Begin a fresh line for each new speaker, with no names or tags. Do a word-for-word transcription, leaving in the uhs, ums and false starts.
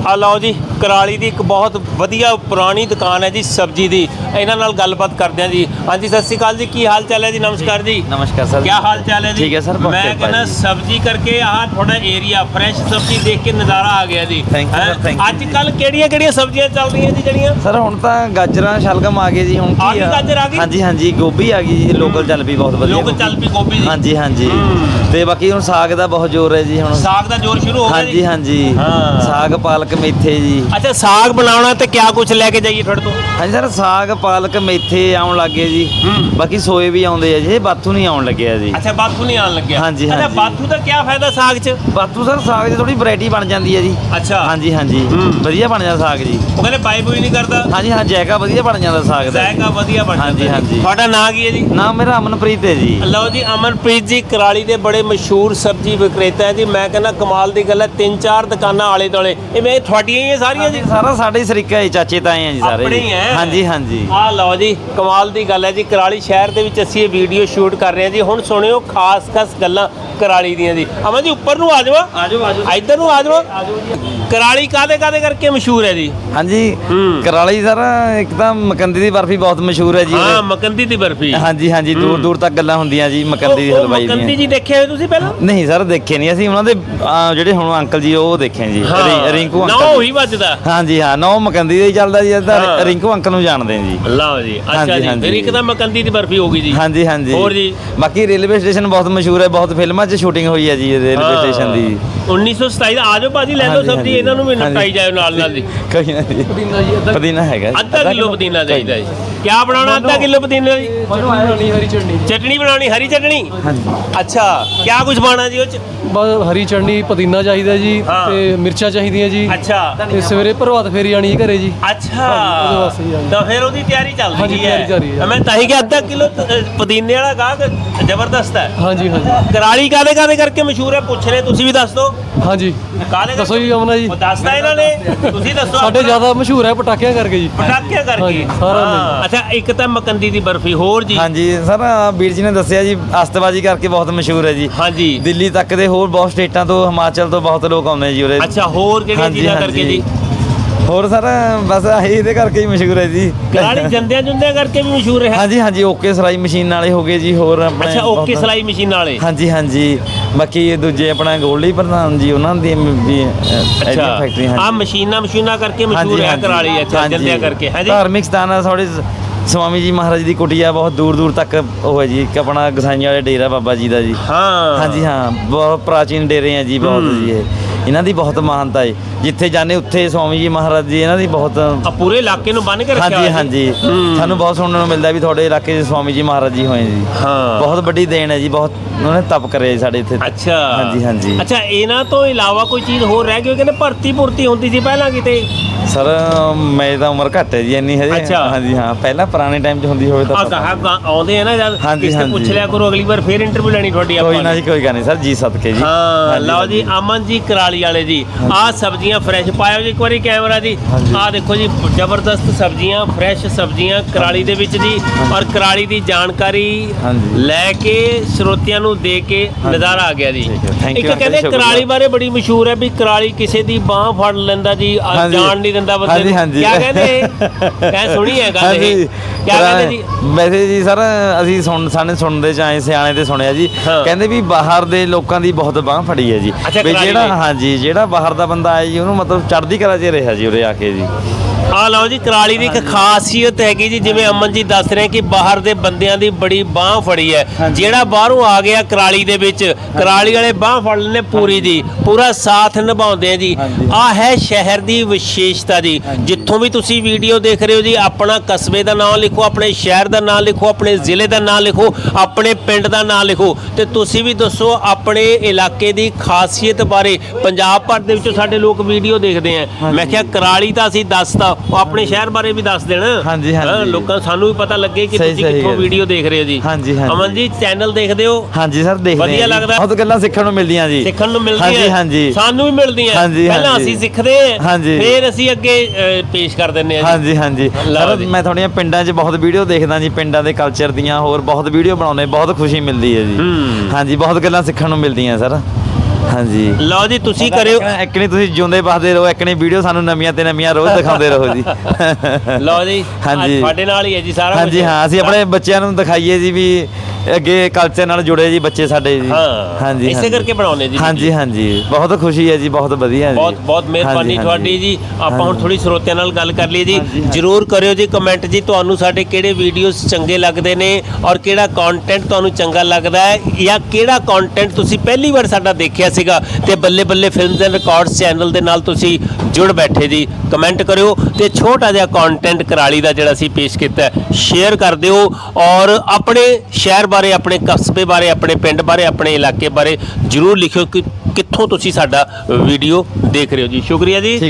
ਆ ਲਓ ਜੀ कराली ਦੀ ਇੱਕ ਬਹੁਤ ਵਧੀਆ ਪੁਰਾਣੀ ਦੁਕਾਨ ਹੈ ਜੀ ਸਬਜ਼ੀ ਦੀ ਇਹਨਾਂ ਨਾਲ ਗੱਲਬਾਤ ਕਰਦੇ ਹਾਂ ਜੀ। ਹਾਂਜੀ सत श्री अकाल जी की हाल चाल है जी? नमस्कार जी।
नमस्कार सर।
क्या हाल चाल है जी?
ठीक है सर।
मैं कहना सब्जी करके आह थोड़ा एरिया फ्रेश सब्जी देख के नज़ारा आ गया जी। अजकल ਕਿਹੜੀਆਂ ਕਿਹੜੀਆਂ ਸਬਜ਼ੀਆਂ ਚੱਲ ਰਹੀਆਂ ਜੀ ਜਿਹੜੀਆਂ?
ਸਰ ਹੁਣ ਤਾਂ ਗਾਜਰਾਂ ਸ਼ਲਗਮ ਆ ਗਏ ਜੀ। ਹੁਣ
ਆ ਗਈ ਗਾਜਰ ਆ ਗਈ?
ਹਾਂਜੀ ਹਾਂਜੀ ਗੋਭੀ ਆ ਗਈ ਜੀ। ਲੋਕਲ ਚੱਲ ਪਈ ਬਹੁਤ ਵਧੀਆ।
ਲੋਕਲ ਚੱਲ ਪਈ ਗੋਭੀ ਜੀ।
ਹਾਂਜੀ ਹਾਂਜੀ ਤੇ ਬਾਕੀ ਹੁਣ ਸਾਗ ਦਾ ਬਹੁਤ ਜ਼ੋਰ ਹੈ ਜੀ। ਹੁਣ
ਸਾਗ ਦਾ ਜ਼ੋਰ ਸ਼ੁਰੂ ਹੋ ਗਿਆ
ਹਾਂਜੀ
ਜੀ।
ਹਾਂਜੀ
ਹਾਂ
ਸਾਗ ਪਾਲਕ ਮੇਥੇ ਜੀ।
ਅੱਛਾ ਸਾਗ ਬਣਾਉਣਾ ਤੇ ਕਿਆ ਕੁਝ ਲੈ ਕੇ ਜਾਈਏ ਤੁਹਾਡੇ ਤੋਂ?
ਹਾਂਜੀ ਸਰ ਸਾਗ ਪਾਲਕ ਮੇਥੇ ਆਉਣ ਲੱਗੇ ਜੀ। ਬਾਕੀ ਸੋਏ ਵੀ ਆਉਂਦੇ ਆ ਜੀ। ਇਹ ਬਾਥੂ ਨਹੀਂ ਆਉਣ ਲੱਗਿਆ ਜੀ।
ਅੱਛਾ ਬਾਥੂ ਨਹੀਂ ਆਉਣ ਲੱਗਿਆ।
ਹਾਂਜੀ
ਅੱਛਾ
ਹਾਂਜੀ
ਬਾਥੂ ਦਾ ਕੀ ਫਾਇਦਾ ਸਾਗ 'ਚ?
ਬਾਥੂ ਸਰ ਸਾਗ 'ਚ ਥੋੜੀ ਵੈਰਾਈਟੀ ਬਣ ਜਾਂਦੀ ਹੈ ਜੀ।
ਅੱਛਾ
ਹਾਂਜੀ ਹਾਂਜੀ ਵਧੀਆ ਬਣ ਜਾਂਦਾ ਸਾਗ ਜੀ।
ਉਹ ਕਹਿੰਦੇ ਬਾਈ ਬੂਈ ਨਹੀਂ ਕਰਦਾ? ਹਾਂਜੀ
ਹਾਂ ਜਾਇਕਾ ਵਧੀਆ ਬਣ ਜਾਂਦਾ ਸਾਗ ਦਾ।
ਜਾਇਕਾ ਵਧੀਆ ਬਣ ਜਾਂਦਾ।
ਹਾਂਜੀ ਹਾਂਜੀ
ਤੁਹਾਡਾ ਨਾਂ ਕੀ ਹੈ ਜੀ?
ਨਾਮ ਮੇਰਾ ਅਮਨਪ੍ਰੀਤ ਹੈ ਜੀ।
ਲਓ ਜੀ ਅਮਨਪ੍ਰੀਤ ਜੀ कराली ਦੇ ਬੜੇ ਮਸ਼ਹੂਰ ਸਬਜ਼ੀ ਵਿਕਰੇਤਾ ਹੈ ਜੀ। ਮੈਂ ਕਹਿੰਦਾ ਕਮਾਲ ਦੀ ਗੱਲ ਹੈ ਤਿੰਨ ਚਾਰ ਦੁਕਾਨਾਂ ਆਲੇ ਦੁਆਲੇ ਇਹ ਮੈਂ ਤੁਹਾਡੀਆਂ ਹੀ ਹੈ ਸਾਰੀਆਂ ਜੀ?
ਸਾਰਾ ਸਾਡੇ ਸਰੀਕਾ ਹੈ ਚਾਚੇ ਤਾਏ ਆ ਜੀ ਸਾਰੇ।
ਆਪਣੇ ਹੀ ਹੈ?
ਹਾਂਜੀ ਹਾਂਜੀ
ਆ ਲਓ ਜੀ ਕਮਾਲ ਦੀ ਗੱਲ ਹੈ ਜੀ। कराली ਸ਼ਹਿਰ ਦੇ ਵਿੱਚ ਅਸੀਂ ਇਹ ਵੀਡੀਓ ਸ਼ੂਟ ਕਰ ਰਹੇ ਹਾਂ ਜੀ। ਹੁਣ ਸੁਣਿਓ ਖਾਸ ਖਾਸ ਗੱਲਾਂ कराली ਦੀਆਂ ਜੀ। ਅਮਨ ਜੀ ਉੱਪਰ ਨੂੰ ਆ ਜਾਓ। ਆ ਜਾਓ ਆ ਜਾਓ ਇੱਧਰ ਨੂੰ ਆ ਜਾਓ। कराली ਕਾਦੇ ਕਾਦੇ ਕਰਕੇ ਮਸ਼ਹੂਰ ਹੈ ਜੀ?
ਹਾਂਜੀ कराली ਸਰ ਇੱਕ ਤਾਂ ਮਕੰਦੀ ਦੀ ਬਰਫੀ ਬਹੁਤ ਮਸ਼ਹੂਰ ਹੈ ਜੀ।
ਹਾਂ ਮਕੰਦੀ ਦੀ ਬਰਫੀ।
ਹਾਂਜੀ ਹਾਂਜੀ ਦੂਰ ਦੂਰ ਤੱਕ ਗੱਲਾਂ ਹੁੰਦੀਆਂ ਜੀ ਮਕੰਦੀ ਦੀ ਹਲਵਾਈ ਦੀਆਂ।
ਮਕੰਦੀ ਜੀ ਦੇਖਿਆ ਹੋਇਆ ਤੁਸੀਂ ਪਹਿਲਾਂ?
ਨਹੀਂ ਸਰ ਦੇਖੇ ਨਹੀਂ ਅਸੀਂ। ਉਹਨਾਂ ਦੇ ਜਿਹੜੇ ਹੁਣ ਅੰਕਲ ਜੀ ਉਹ ਦੇਖੇ ਜੀ। ਰਿੰਕੂ ਅੰਕਲ।
ਨਾ ਉਹੀ ਵੱਜਦਾ।
ਹਾਂਜੀ ਹਾਂ ਨੌ ਮਕੰਦੀ ਦਾ ਹੀ ਚੱਲਦਾ ਜੀ। ਰਿੰਕੂ ਅੰਕਲ ਨੂੰ ਜਾਣਦੇ ਜੀ।
ਲਓ ਜੀ ਅੱਛਾ ਜੀ ਫਿਰ ਇੱਕ ਤਾਂ ਮਕੰਦੀ ਦੀ ਬਰਫੀ ਹੋ ਗਈ ਜੀ।
ਹਾਂਜੀ ਹਾਂਜੀ
ਹੋਰ ਜੀ?
ਬਾਕੀ ਰੇਲਵੇ ਸਟੇਸ਼ਨ ਬਹੁਤ ਮਸ਼ਹੂਰ ਹੈ। ਬਹੁਤ ਫਿਲਮਾਂ 'ਚ ਸ਼ੂਟਿੰਗ ਹੋਈ ਹੈ ਜੀ ਰੇਲਵੇ ਸਟੇਸ਼ਨ ਦੀ।
ਉੱਨੀ ਸੌ ਸਤਾਈ ਦਾ ਆ ਜਾਓ ਭਾਜੀ ਲੈ ਲਓ ਸਬਜ਼ੀ ਇਹਨਾਂ ਨੂੰ ਵੀ ਨਿਪਟਾਈ ਜਾਓ ਨਾਲ ਨਾਲ ਜੀ।
ਕੋਈ ਨਾ ਜੀ ਪੁਦੀਨਾ ਹੈਗਾ
ਅੱਧਾ ਕਿਲੋ ਪੁਦੀਨਾ ਚਾਹੀਦਾ ਜੀ। ਕਿਆ ਬਣਾਉਣਾ ਅੱਧਾ ਕਿਲੋ ਪੁਦੀਨਾ ਜੀ?
ਹਰੀ ਚਟਨੀ।
ਚਟਨੀ ਬਣਾਉਣੀ ਹਰੀ ਚਟਨੀ?
ਹਾਂਜੀ
ਅੱਛਾ ਕਿਆ ਕੁਝ ਪਾਣਾ ਜੀ ਉਹ 'ਚ?
ਬਸ ਹਰੀ ਚਟਨੀ ਪੁਦੀਨਾ ਚਾਹੀਦਾ ਜੀ ਤੇ ਮਿਰਚਾਂ ਚਾਹੀਦੀਆਂ ਜੀ।
ਅੱਛਾ
ਤੇ ਸਵੇਰੇ ਪ੍ਰਭਾਤ ਫੇਰੀ ਆਣੀ ਘਰੇ ਜੀ।
ਅੱਛਾ
ਉਹਦੇ ਵਾਸਤੇ ਹੀ ਆਣੀ।
ਤਾਂ ਫਿਰ ਉਹਦੀ ਤਿਆਰੀ ਚੱਲ
ਹਾਂਜੀ,
ਰਹੀ ਹੈ।
ਤਿਆਰੀ ਚੱਲ ਰਹੀ ਹੈ।
ਮੈਂ ਤਾਂ ਹੀ ਕਿ ਅੱਧਾ ਕਿਲੋ ਪੁਦੀਨੇ ਵਾਲਾ ਗਾਹਕ ਜ਼ਬਰਦਸਤ ਹੈ।
ਹਾਂਜੀ ਹਾਂਜੀ
कराली ਕਾਦੇ ਕਾਦੇ ਕਰਕੇ ਮਸ਼ਹੂਰ ਹੈ ਪੁੱਛ ਰਹੇ ਤੁਸੀਂ ਵੀ ਦੱਸ ਦਿਓ।
ਹਾਂਜੀ
ਕਾਦੇ
ਦੱਸੋ ਜੀ ਅਮਨਾ ਜੀ।
ਉਹ ਦੱਸਦਾ ਇਹਨਾਂ ਨੇ ਤੁਸੀਂ ਦੱਸੋ।
ਸਾਡੇ ਜ਼ਿਆਦਾ ਮਸ਼ਹੂਰ ਹੈ ਪਟਾਕਿਆਂ ਕਰਕੇ ਜੀ।
ਪਟਾਕਿਆਂ ਕਰਕੇ
ਹਾਂਜੀ, ਸਾਰਾ
ਹਾਂ। ਅੱਛਾ ਇੱਕ ਤਾਂ ਮਕੰਦੀ ਦੀ ਬਰਫੀ ਹੋਰ ਜੀ?
ਹਾਂਜੀ ਸਰ ਵੀਰ ਜੀ ਨੇ ਦੱਸਿਆ ਜੀ ਅਸਤਬਾਜੀ ਕਰਕੇ ਬਹੁਤ ਮਸ਼ਹੂਰ ਹੈ ਜੀ।
ਹਾਂਜੀ
ਦਿੱਲੀ ਤੱਕ ਦੇ ਹੋਰ ਬਹੁਤ ਸਟੇਟਾਂ ਤੋਂ ਹਿਮਾਚਲ ਤੋਂ ਬਹੁਤ ਲੋਕ ਆਉਂਦੇ ਜੀ ਉਰੇ।
ਅੱਛਾ ਹੋਰ ਕਿਹੜੀਆਂ ਚੀਜ਼ਾਂ ਕਰਕੇ ਜੀ?
ਹੋਰ ਸਰ ਬਸ ਆਹੀ ਇਹਦੇ ਕਰਕੇ ਹੀ ਮਸ਼ਹੂਰ ਹੈ ਜੀ।
कराली ਜੰਦਿਆਂ ਜੁੰਦਿਆਂ ਕਰਕੇ ਵੀ ਮਸ਼ਹੂਰ ਹੈ?
ਹਾਂਜੀ ਹਾਂਜੀ ਓਕੇ ਸਲਾਈ ਮਸ਼ੀਨ ਵਾਲੇ ਹੋ ਗਏ ਜੀ। ਹੋਰ ਆਪਣੇ
ਅੱਛਾ ਓਕੇ ਸਲਾਈ ਮਸ਼ੀਨ ਵਾਲੇ।
ਹਾਂਜੀ ਹਾਂਜੀ ਬਾਕੀ ਦੂਜੇ ਆਪਣਾ ਗੋਲਡੀ ਪ੍ਰਧਾਨ ਜੀ ਉਹਨਾਂ ਦੀ ਵੀ
ਅੱਛਾ
ਫੈਕਟਰੀ।
ਆ ਮਸ਼ੀਨਾਂ ਮਸ਼ੀਨਾਂ ਕਰਕੇ ਮਸ਼ਹੂਰ ਹੈ कराली। ਅੱਛਾ ਜੰਦਿਆਂ ਕਰਕੇ ਹੈ ਜੀ।
ਧਾਰਮਿਕ ਸਥਾਨ ਆ ਥੋੜੇ ਸਵਾਮੀ ਜੀ ਮਹਾਰਾਜ ਦੀ ਕੁਟੀਆ ਬਹੁਤ ਦੂਰ ਦੂਰ ਤੱਕ ਉਹ ਹੈ ਜੀ। ਇੱਕ ਆਪਣਾ ਗਸਾਈਆਂ ਵਾਲੇ ਡੇਰਾ ਬਾਬਾ ਜੀ ਦਾ ਜੀ।
ਹਾਂ
ਹਾਂਜੀ ਹਾਂ ਬਹੁਤ ਪ੍ਰਾਚੀਨ ਡੇਰੇ ਆ ਜੀ ਬਹੁਤ ਜੀ। ਇਹ ਇਹਨਾਂ ਦੀ ਬਹੁਤ ਮਹਾਨਤਾ ਹੈ। ਜਿੱਥੇ ਜਾਂਦੇ ਉੱਥੇ ਸਵਾਮੀ ਜੀ ਮਹਾਰਾਜ ਜੀ ਇਹਨਾਂ ਦੀ ਬਹੁਤ
ਆ ਪੂਰੇ ਇਲਾਕੇ ਨੂੰ ਬੰਨ ਕੇ ਰੱਖਿਆ
ਹਾਂਜੀ ਹਾਂਜੀ ਸਾਨੂੰ ਬਹੁਤ ਸੁਣਨ ਨੂੰ ਮਿਲਦਾ ਵੀ ਤੁਹਾਡੇ ਇਲਾਕੇ 'ਚ ਸਵਾਮੀ ਜੀ ਮਹਾਰਾਜ ਜੀ ਹੋਏ ਜੀ।
ਹਾਂ
ਬਹੁਤ ਵੱਡੀ ਦੇਣ ਹੈ ਜੀ। ਬਹੁਤ ਉਹਨਾਂ ਨੇ ਤਪ ਕਰਿਆ ਜੀ ਸਾਡੇ ਇੱਥੇ।
ਅੱਛਾ
ਹਾਂਜੀ ਹਾਂਜੀ
ਅੱਛਾ ਇਹਨਾਂ ਤੋਂ ਇਲਾਵਾ ਕੋਈ ਚੀਜ਼ ਹੋਰ ਰਹਿ ਗਈ? ਕਹਿੰਦੇ ਭਰਤੀ ਭੁਰਤੀ ਹੁੰਦੀ ਸੀ ਪਹਿਲਾਂ ਕਿਤੇ?
ਸਰ ਮੇਰੀ ਤਾਂ ਉਮਰ ਘੱਟ ਹੈ ਜੀ ਇੰਨੀ ਹਜੇ।
ਅੱਛਾ।
ਹਾਂਜੀ ਹਾਂ ਪਹਿਲਾਂ ਪੁਰਾਣੇ ਟਾਈਮ 'ਚ ਹੁੰਦੀ ਹੋਵੇ ਤਾਂ
ਆ ਗਾਹਕ ਆਉਂਦੇ ਆ ਨਾ ਜਦ
ਹਾਂਜੀ,
ਕਿਸੇ
ਹਾਂਜੀ।
ਪੁੱਛ ਲਿਆ ਕਰੋ ਅਗਲੀ ਵਾਰ ਫੇਰ ਇੰਟਰਵਿਊ ਲੈਣੀ ਤੁਹਾਡੀ ਆਪਾਂ
ਕੋਈ ਨਾ ਜੀ ਕੋਈ ਗੱਲ ਨਹੀਂ ਸਰ ਜੀ ਸਦਕੇ ਜੀ।
ਹਾਂ ਲਓ ਜੀ ਅਮਨ ਜੀ कराली ਵਾਲੇ ਜੀ ਆਹ ਸਬਜ਼ੀਆਂ ਫਰੈਸ਼ ਪਾਇਓ ਜੀ ਇੱਕ ਵਾਰੀ ਕੈਮਰਾ ਜੀ। ਆਹ ਦੇਖੋ ਜੀ ਜ਼ਬਰਦਸਤ ਸਬਜ਼ੀਆਂ ਫਰੈਸ਼ ਸਬਜ਼ੀਆਂ कराली ਦੇ ਵਿੱਚ ਜੀ। ਔਰ कराली ਦੀ ਜਾਣਕਾਰੀ ਲੈ ਕੇ ਸਰੋਤਿਆਂ ਨੂੰ ਦੇ ਕੇ ਨਜ਼ਾਰਾ ਆ ਗਿਆ ਜੀ। ਇੱਕ ਕਹਿੰਦੇ कराली ਬਾਰੇ ਬੜੀ ਮਸ਼ਹੂਰ ਹੈ ਵੀ कराली ਕਿਸੇ ਦੀ ਬਾਹ ਫੜ ਲੈਂਦਾ ਜੀ ਜਾਣ ਨਹੀਂ ਦਿੰਦਾ ਬੰਦੇ ਨੂੰ। ਕਿਆ ਕਹਿੰਦੇ ਕਹਿ ਸੁਣੀ ਹੈ ਗੱਲ ਇਹ? ਕਿਆ ਕਹਿੰਦੇ ਜੀ?
ਵੈਸੇ ਜੀ ਸਰ ਅਸੀਂ ਸੁਣ ਸਾਨੇ ਸੁਣਦੇ ਚ ਆਏ ਸਿਆਣੇ ਤੇ ਸੁਣਿਆ ਜੀ। ਕਹਿੰਦੇ ਵੀ ਬਾਹਰ ਦੇ ਲੋਕਾਂ ਦੀ ਬਹੁਤ ਬਾਹ ਫੜੀ ਹੈ ਜੀ। ਵੀ ਜਿਹੜਾ ਹਾਂਜੀ ਜਿਹੜਾ ਬਾਹਰ ਦਾ ਬੰਦਾ ਆਇਆ ਜੀ ਉਹਨੂੰ ਮਤਲਬ ਚੜ੍ਹਦੀ ਕਲਾ 'ਚ ਰਿਹਾ ਜੀ ਉਰੇ ਆ ਕੇ ਜੀ।
ਆ ਲਓ ਜੀ कराली ਦੀ ਇੱਕ ਖਾਸੀਅਤ ਹੈਗੀ ਜੀ ਜਿਵੇਂ ਅਮਨ ਜੀ ਦੱਸ ਰਹੇ ਕਿ ਬਾਹਰ ਦੇ ਬੰਦਿਆਂ ਦੀ ਬੜੀ ਬਾਹ ਫੜੀ ਹੈ। ਜਿਹੜਾ ਬਾਹਰੋਂ ਆ ਗਿਆ कराली ਦੇ ਵਿੱਚ कराली ਵਾਲੇ ਬਾਹ ਫੜ ਲੈਂਦੇ ਪੂਰੀ ਜੀ ਪੂਰਾ ਸਾਥ ਨਿਭਾਉਂਦੇ ਆ ਜੀ। ਆ ਹੈ ਸ਼ਹਿਰ ਦੀ ਵਿਸ਼ੇਸ਼ਤਾ ਜੀ। ਜਿੱਥੋਂ ਵੀ ਤੁਸੀਂ ਵੀਡੀਓ ਦੇਖ ਰਹੇ ਹੋ ਜੀ ਆਪਣਾ ਕਸਬੇ ਦਾ ਨਾਮ ਲਿਖੋ ਆਪਣੇ ਸ਼ਹਿਰ ਦਾ ਨਾਮ ਲਿਖੋ ਆਪਣੇ ਜ਼ਿਲ੍ਹੇ ਦਾ ਨਾਮ ਲਿਖੋ ਆਪਣੇ ਪਿੰਡ ਦਾ ਨਾਮ ਲਿਖੋ ਤੇ ਤੁਸੀਂ ਵੀ ਦੱਸੋ ਆਪਣੇ ਇਲਾਕੇ ਦੀ ਖਾਸੀਅਤ ਬਾਰੇ। ਪੰਜਾਬ ਭਰ ਦੇ ਵਿੱਚੋਂ ਸਾਡੇ ਲੋਕ ਵੀਡੀਓ ਦੇਖਦੇ ਆ। ਮੈਂ ਕਿਹਾ कराली ਤਾਂ ਅਸੀਂ ਦੱਸਤਾ ਉਹ ਆਪਣੇ ਸ਼ਹਿਰ ਬਾਰੇ ਵੀ ਦੱਸ ਦੇਣ।
ਹਾਂਜੀ ਹਾਂਜੀ
ਲੋਕਾਂ ਸਾਨੂੰ ਵੀ ਪਤਾ ਲੱਗੇ ਕਿ ਤੁਸੀਂ ਕਿੱਥੋਂ ਵੀਡੀਓ ਦੇਖ ਰਹੇ ਹੋ ਜੀ।
ਹਾਂਜੀ ਹਾਂਜੀ
ਅਮਨ ਜੀ ਚੈਨਲ ਦੇਖਦੇ ਹੋ?
ਹਾਂਜੀ ਸਰ ਦੇਖਦੇ
ਵਧੀਆ ਲੱਗਦਾ
ਬਹੁਤ ਗੱਲਾਂ ਸਿੱਖਣ ਨੂੰ ਮਿਲਦੀਆਂ ਜੀ।
ਸਿੱਖਣ ਨੂੰ ਮਿਲਦੀਆਂ
ਹਾਂਜੀ ਹਾਂਜੀ
ਸਾਨੂੰ ਵੀ ਮਿਲਦੀਆਂ। ਪਹਿਲਾਂ ਅਸੀਂ ਸਿੱਖਦੇ ਹਾਂ ਫਿਰ ਅਸੀਂ ਅੱਗੇ ਪੇਸ਼ ਕਰ ਦਿੰਦੇ ਹਾਂ ਜੀ।
ਹਾਂਜੀ ਹਾਂਜੀ ਸਰ ਮੈਂ ਤੁਹਾਡੀਆਂ ਪਿੰਡਾਂ 'ਚ ਬਹੁਤ ਵੀਡੀਓ ਦੇਖਦਾ ਜੀ। ਪਿੰਡਾਂ ਦੇ ਕਲਚਰ ਦੀਆਂ ਹੋਰ ਬਹੁਤ ਵੀਡੀਓ ਬਣਾਉਂਦੇ ਬਹੁਤ ਖੁਸ਼ੀ ਮਿਲਦੀ ਹੈ ਜੀ। ਹਾਂਜੀ ਬਹੁਤ ਗੱਲਾਂ ਸਿੱਖਣ ਨੂੰ ਮਿਲਦੀਆਂ ਸਰ। ਹਾਂਜੀ
ਲਓ ਜੀ ਤੁਸੀਂ ਕਰਿਓ
ਇੱਕ ਨਹੀਂ ਤੁਸੀਂ ਜਿਉਂਦੇ ਬਸਦੇ ਰਹੋ, ਇੱਕ ਨਹੀਂ ਵੀਡੀਓ ਸਾਨੂੰ ਨਵੀਆਂ ਤੇ ਨਵੀਆਂ ਰੋਜ਼ ਦਿਖਾਉਂਦੇ ਰਹੋ ਜੀ।
ਲਓ ਜੀ
ਹਾਂਜੀ।
ਅੱਜ ਤੁਹਾਡੇ ਨਾਲ ਹੀ ਹੈ ਜੀ ਸਾਰਾ ਕੁਝ।
ਹਾਂਜੀ ਹਾਂ, ਅਸੀਂ ਆਪਣੇ ਬੱਚਿਆਂ ਨੂੰ ਦਿਖਾਈਏ ਜੀ ਵੀ ਅੱਗੇ ਕਲਚਰ ਨਾਲ ਜੁੜੇ ਜੀ ਬੱਚੇ ਸਾਡੇ ਜੀ।
ਹਾਂ
ਹਾਂਜੀ
ਇਸੇ
ਹਾਂਜੀ।
ਕਰਕੇ ਬਣਾਉਨੇ ਜੀ।
ਹਾਂਜੀ ਹਾਂਜੀ, ਬਹੁਤ ਖੁਸ਼ੀ ਹੈ ਜੀ, ਬਹੁਤ ਵਧੀਆ ਜੀ।
ਬਹੁਤ ਬਹੁਤ ਮਿਹਰਬਾਨੀ
ਹਾਂਜੀ,
ਤੁਹਾਡੀ ਜੀ। ਆਪਾਂ ਹੁਣ
ਹਾਂਜੀ।
ਥੋੜੀ ਸਰੋਤਿਆਂ ਨਾਲ ਗੱਲ ਕਰ ਲਈਏ ਜੀ।
ਹਾਂਜੀ, ਹਾਂਜੀ।
ਜਰੂਰ ਕਰਿਓ ਜੀ ਕਮੈਂਟ ਜੀ, ਤੁਹਾਨੂੰ ਸਾਡੇ ਕਿਹੜੇ ਵੀਡੀਓਜ਼ ਚੰਗੇ ਲੱਗਦੇ ਨੇ ਔਰ ਕਿਹੜਾ ਕੰਟੈਂਟ ਤੁਹਾਨੂੰ ਚੰਗਾ ਲੱਗਦਾ ਹੈ, ਜਾਂ ਕਿਹੜਾ ਕੰਟੈਂਟ ਤੁਸੀਂ ਪਹਿਲੀ ਵਾਰ ਸਾਡਾ ਦੇਖਿਆ ਸੀਗਾ ਤੇ ਬੱਲੇ ਬੱਲੇ ਫਿਲਮਸ ਐਂਡ ਰਿਕਾਰਡਸ ਚੈਨਲ ਦੇ ਨਾਲ ਤੁਸੀਂ ਜੁੜ ਬੈਠੇ ਜੀ। ਕਮੈਂਟ ਕਰਿਓ ਤੇ ਛੋਟਾ ਜਿਹਾ ਕੰਟੈਂਟ ਕਰਾਲੀ ਦਾ ਜਿਹੜਾ ਅਸੀਂ ਪੇਸ਼ ਕੀਤਾ ਸ਼ੇਅਰ ਕਰ ਦਿਓ, ਔਰ ਆਪਣੇ ਸ਼ਹਿਰ ਬਾਰੇ, ਆਪਣੇ ਕਸਬੇ ਬਾਰੇ, ਆਪਣੇ ਪਿੰਡ ਬਾਰੇ, ਆਪਣੇ ਇਲਾਕੇ ਬਾਰੇ ਜਰੂਰ ਲਿਖਿਓ ਕਿ ਕਿੱਥੋਂ ਤੁਸੀਂ ਸਾਡਾ ਵੀਡੀਓ ਦੇਖ ਰਹੇ ਹੋ ਜੀ। ਸ਼ੁਕਰੀਆ ਜੀ।